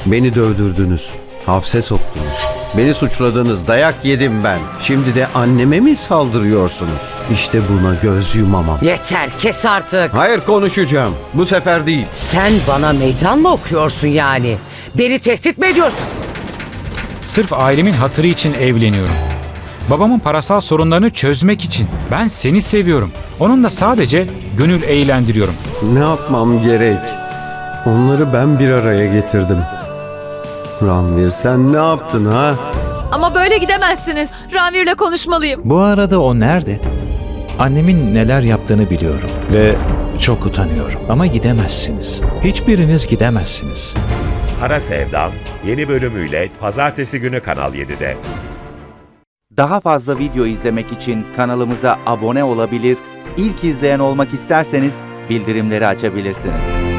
Beni dövdürdünüz, hapse soktunuz. Beni suçladınız, dayak yedim ben. Şimdi de anneme mi saldırıyorsunuz? İşte buna göz yumamam. Yeter, kes artık. Hayır, konuşacağım. Bu sefer değil. Sen bana meydan mı okuyorsun yani? Beni tehdit mi ediyorsun? Sırf ailemin hatırı için evleniyorum. Babamın parasal sorunlarını çözmek için. Ben seni seviyorum. Onunla sadece gönül eğlendiriyorum. Ne yapmam gerek? Onları ben bir araya getirdim. Ranvir, sen ne yaptın ha? Ama böyle gidemezsiniz. Ranvir'le konuşmalıyım. Bu arada o nerede? Annemin neler yaptığını biliyorum ve çok utanıyorum. Ama gidemezsiniz. Hiçbiriniz gidemezsiniz. Kara Sevdam yeni bölümüyle pazartesi günü Kanal 7'de. Daha fazla video izlemek için kanalımıza abone olabilir, ilk izleyen olmak isterseniz bildirimleri açabilirsiniz.